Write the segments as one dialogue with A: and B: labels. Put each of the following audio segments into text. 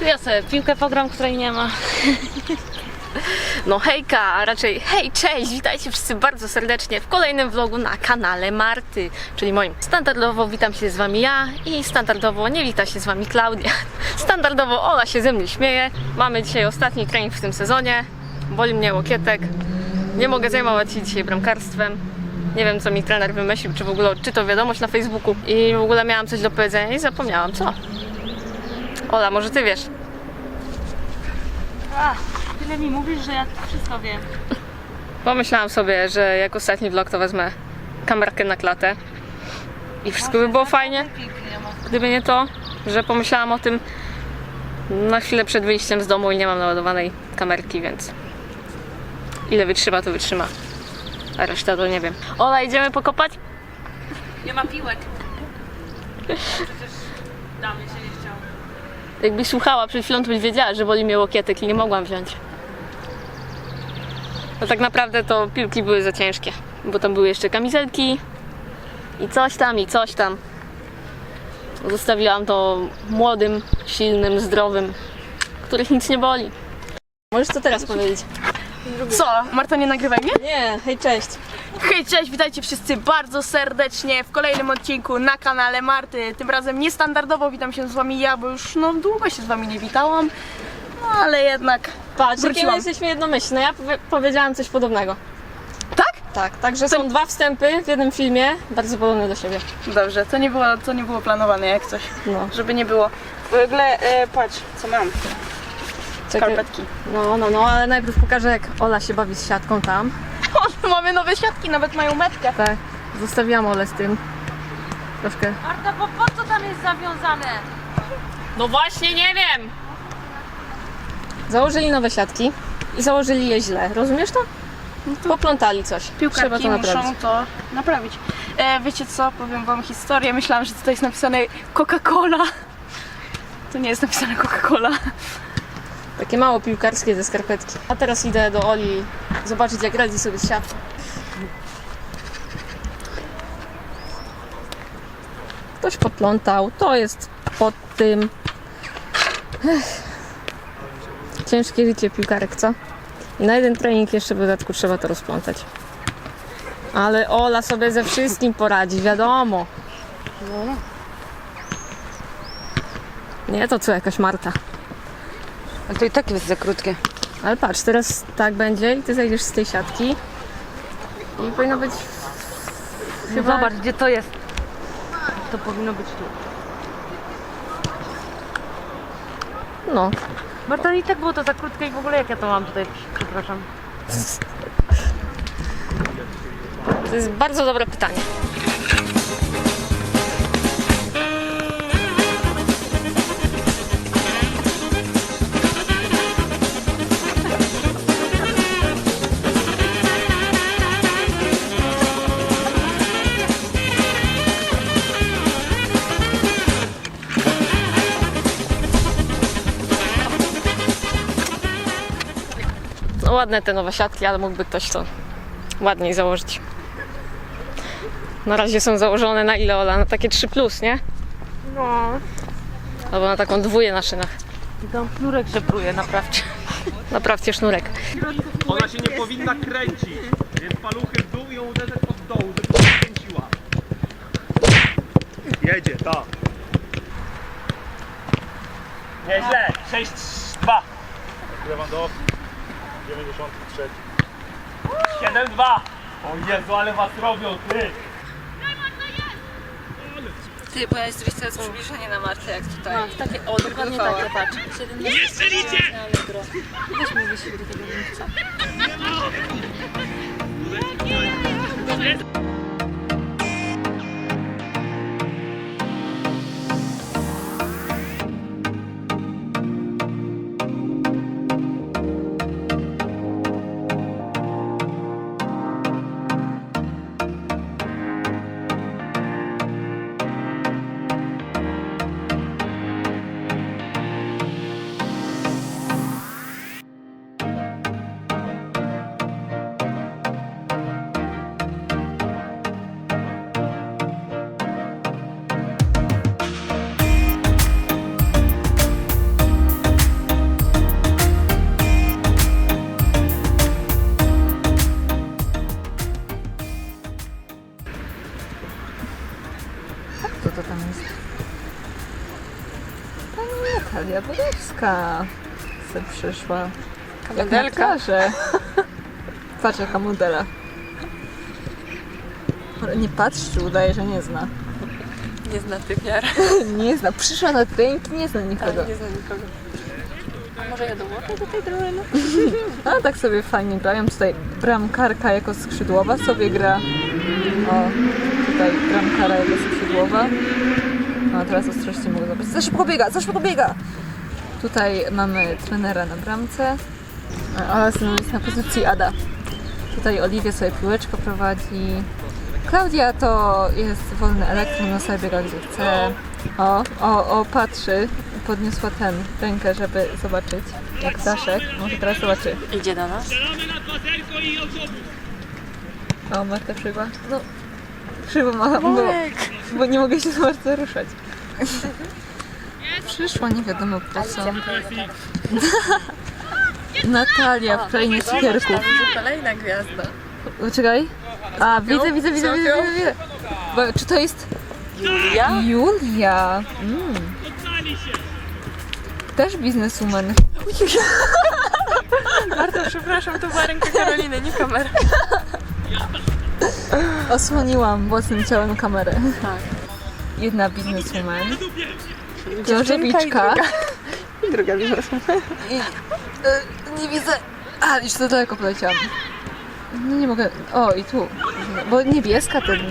A: Ja sobie piłkę pogram, której nie ma. No hejka, a raczej hej, cześć, witajcie wszyscy bardzo serdecznie w kolejnym vlogu na kanale Marty, czyli moim. Standardowo witam się z wami ja i standardowo nie wita się z wami Klaudia. Standardowo Ola się ze mnie śmieje. Mamy dzisiaj ostatni trening w tym sezonie. Boli mnie łokietek. Nie mogę zajmować się dzisiaj bramkarstwem. Nie wiem, co mi trener wymyślił, czy w ogóle odczytał wiadomość na Facebooku i w ogóle miałam coś do powiedzenia i zapomniałam co. Ola, może ty wiesz?
B: Tyle mi mówisz, że ja wszystko wiem.
A: Pomyślałam sobie, że jak ostatni vlog to wezmę kamerkę na klatę i wszystko by było fajnie, gdyby nie to, że pomyślałam o tym na chwilę przed wyjściem z domu i nie mam naładowanej kamerki, więc ile wytrzyma, to wytrzyma, a reszta to nie wiem. Ola, idziemy pokopać?
B: Nie ma piłek. Przecież damy się nie chciał.
A: Jakbyś słuchała przed chwilą, to byś wiedziała, że boli mnie łokietek i nie mogłam wziąć. No tak naprawdę to piłki były za ciężkie, bo tam były jeszcze kamizelki i coś tam, i coś tam. Zostawiłam to młodym, silnym, zdrowym, których nic nie boli. Możesz co teraz powiedzieć?
B: Co? Marta, nie nagrywaj mnie?
A: Nie, hej, cześć.
B: Hej, cześć, witajcie wszyscy bardzo serdecznie w kolejnym odcinku na kanale Marty. Tym razem niestandardowo witam się z wami ja, bo już długo się z wami nie witałam. No ale jednak
A: Patrz, jakie my
B: wróciłam.
A: jesteśmy jednomyślne. Ja powiedziałam coś podobnego.
B: Tak?
A: Tak, także są dwa wstępy w jednym filmie, bardzo podobne do siebie.
B: Dobrze, to nie było planowane jak coś,
A: No.
B: żeby nie było. W ogóle, patrz, co mam. Skarpetki.
A: No, ale najpierw pokażę, jak Ola się bawi z siatką tam.
B: O, mamy nowe siatki, nawet mają metkę.
A: Tak, zostawiłam Olę z tym. Troszkę.
B: Marta, bo po co tam jest zawiązane?
A: No właśnie, nie wiem! Założyli nowe siatki i założyli je źle, rozumiesz to? Poplątali coś. Trzeba
B: Piłkarki
A: to naprawić.
B: muszą to naprawić. Wiecie co, powiem wam historię. Myślałam, że tutaj jest napisane Coca-Cola. To nie jest napisane Coca-Cola.
A: Takie mało piłkarskie te skarpetki. A teraz idę do Oli zobaczyć, jak radzi sobie z siatką. Ktoś poplątał, to jest pod tym. Ciężkie życie piłkarek, co? I na jeden trening jeszcze w dodatku trzeba to rozplątać. Ale Ola sobie ze wszystkim poradzi, wiadomo. Nie to co jakaś Marta.
C: Ale to i tak jest za krótkie.
A: Ale patrz, teraz tak będzie i ty zejdziesz z tej siatki. I powinno być chyba...
C: Zobacz, gdzie to jest. To powinno być tu.
A: No,
C: Marta, i tak było to za krótkie i w ogóle jak ja to mam tutaj, przepraszam.
A: to jest bardzo dobre pytanie. No ładne te nowe siatki, ale mógłby ktoś to ładniej założyć. Na razie są założone na ile, Ola? Na takie 3+, nie?
B: No.
A: Albo na taką dwóję na szynach.
C: I tam sznurek żebruje, naprawdę.
A: Naprawcie sznurek.
D: Ona się nie powinna kręcić, więc paluchy w dół i ją uderzać od dołu, żeby się kręciła. Jedzie, tak. Nieźle, 6-2. Lewandowski, 93. 7-2. O Jezu, ale was robią, ty.
C: Ty, bo ja zrobić teraz przybliżenie na Martę, jak tutaj.
A: No, takie, o, dokładnie takie, patrz.
D: Nie strzelicie!
A: Weź mi wysiłek do tego miejsca.
E: Natalia Borowska se przyszła. Jak
B: modelka.
E: na plażę. Patrz jaka modela. Nie patrzy, udaje, że nie zna.
B: Nie zna tych miar.
E: Nie zna. Przyszła na trening, nie zna nikogo.
B: Nie zna nikogo. A może ja dołączę do tej drużyny?
E: A tak sobie fajnie grają. Tutaj bramkarka jako skrzydłowa sobie gra. O, tutaj bramkara jako skrzydłowa. No a teraz ostrości mogę zobaczyć. Za szybko biega, za szybko biega! Tutaj mamy trenera na bramce. A jest na pozycji Ada. Tutaj Oliwia sobie piłeczkę prowadzi. Klaudia to jest wolny elektron, ona sobie biega gdzie chce. O, patrzy. Podniosła rękę, żeby zobaczyć jak Daszek. Może teraz zobaczy.
B: Idzie do nas.
E: O, Marta przybyła. No, krzywo macham, bo nie mogę się za bardzo ruszać. Przyszła nie wiadomo po co. Natalia w krainie cukierków.
B: Kolejna gwiazda.
E: Czekaj. A, widzę. Bo, czy to jest
B: Julia?
E: Julia? Też bizneswoman.
B: Bardzo przepraszam, to była ręka Karoliny, nie kamera.
E: Osłoniłam własnym ciałem kamerę.
B: Tak.
E: Jedna bizneswoman. Księżewiczka.
B: I druga bizneswoman.
E: Nie widzę. A, już za daleko poleciałam. No nie mogę. O, i tu. Bo niebieska ten.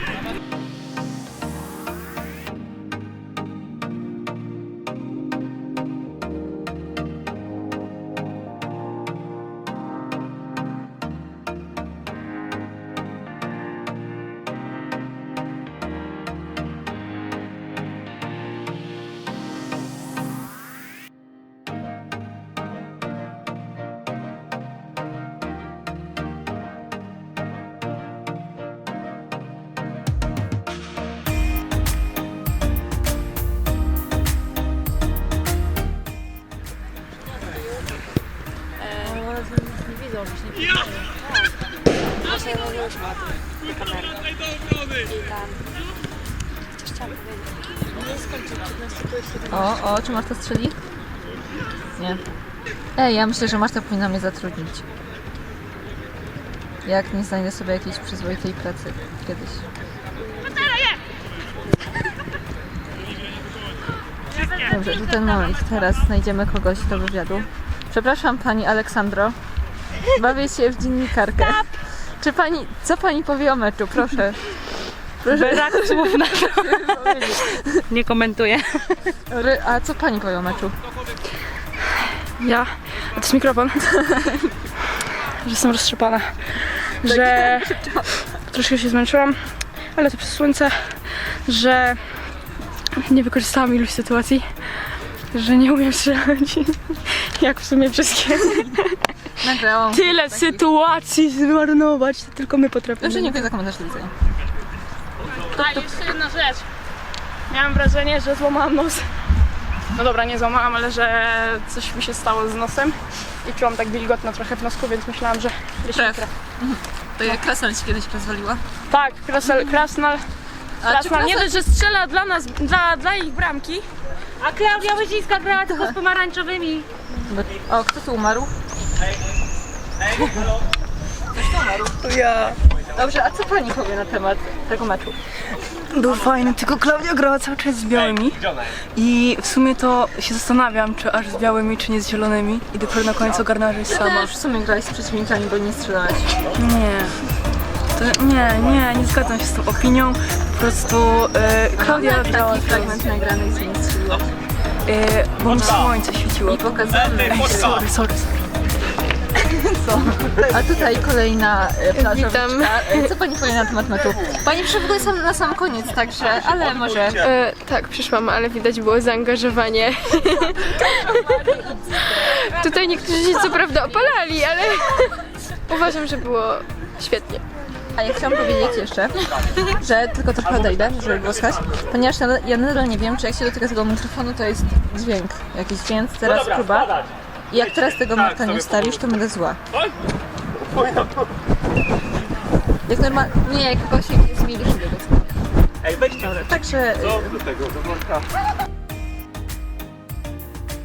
E: O, czy Marta strzeli? Nie. Ej, ja myślę, że Marta powinna mnie zatrudnić. Jak nie znajdę sobie jakiejś przyzwoitej pracy kiedyś. Dobrze, to ten moment. Teraz znajdziemy kogoś do wywiadu. Przepraszam pani Aleksandro. Bawię się w dziennikarkę. Co pani powie o meczu? Proszę.
C: Brak słów na to. Nie komentuję.
E: A co pani powie o meczu?
F: Ja? A to jest mikrofon? Że jestem roztrzepana. Że troszkę się zmęczyłam, ale to przez słońce, że nie wykorzystałam iluś sytuacji, że nie umiem strzelać. Jak w sumie wszystkie.
E: Nagrałam.
F: Tyle sytuacji zmarnować, to tylko my potrafimy.
E: Dobrze, dziękuję za komentarz, do widzenia.
F: A jeszcze jedna rzecz. Miałam wrażenie, że złamałam nos. No dobra, nie złamałam, ale że coś mi się stało z nosem i czułam tak wilgotno trochę w nosku, więc myślałam, że
E: Krew. To jak Krasnal ci kiedyś rozwaliła?
F: tak, Krasnal nie dość, że strzela dla nas, dla ich bramki.
C: A Klaudia Łyzińska grała tylko z pomarańczowymi.
E: O, kto tu umarł?
F: To ja.
E: Dobrze, a co pani powie na temat tego meczu?
F: Był fajny, tylko Klaudia grała cały czas z białymi i w sumie to się zastanawiam, czy aż z białymi, czy nie z zielonymi i dopiero na końcu ogarnęła, że jest sama.
E: Też w sumie grałeś z przeciwnikami, bo nie strzelałeś.
F: Nie zgadzam się z tą opinią. Po prostu Klaudia grała
E: Taki fragment nagrany i nie strzeliłaś.
F: bo mi słońce świeciło.
E: I pokazamy.
F: Sorry.
E: A tutaj kolejna plażowiczka.
F: Witam.
E: Co pani powie na temat meczu? Pani przyszła sam na sam koniec, także, ale może...
G: Tak, przyszłam, ale widać było zaangażowanie. Tutaj niektórzy się co prawda opalali, ale uważam, że było świetnie.
E: A ja chciałam powiedzieć jeszcze, że tylko trochę odejdę, żeby było słychać, ponieważ ja nadal nie wiem, czy jak się dotyka tego mikrofonu, to jest dźwięk jakiś, więc teraz próba. I jak teraz tego Marta nie wstawisz, to będę zła. Jak normalnie, nie, jak kogoś jest mieli szybko.
D: Ej, weźcie.
E: Także...
D: Do tego, do worka.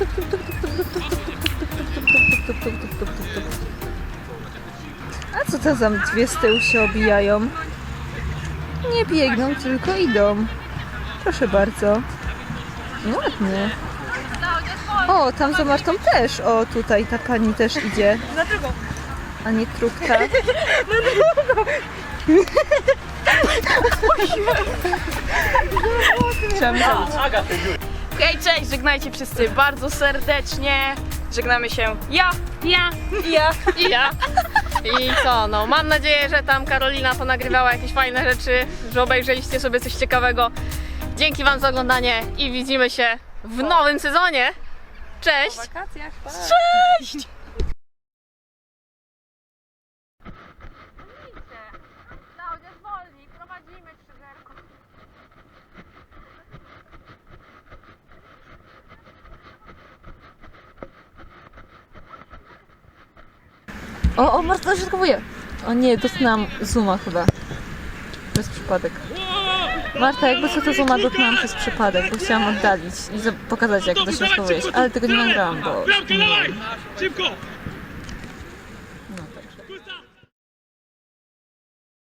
E: A co to za dwie z tyłu się obijają? Nie biegną, tylko idą. Proszę bardzo. Ładnie. O, tam za Martą też. O, tutaj ta pani też idzie.
B: Dlaczego?
E: A nie trupka.
B: Okej, cześć, żegnajcie wszyscy bardzo serdecznie. Żegnamy się ja.
A: I ja. I co, no mam nadzieję, że tam Karolina ponagrywała jakieś fajne rzeczy, że obejrzeliście sobie coś ciekawego. Dzięki wam za oglądanie i widzimy się w nowym sezonie. Cześć! Cześć! Klaudia, zwolnij, prowadzimy krzyżerko.
E: O, Marta dośrodkowuje. O nie, dotknęłam zooma chyba. Przez przypadek. Marta, jakby co to zooma dotknęłam przez przypadek, bo chciałam oddalić i pokazać jak dośrodkowujesz, ale tego nie nagrałam, bo...
D: Bramkę, dawaj! Szybko!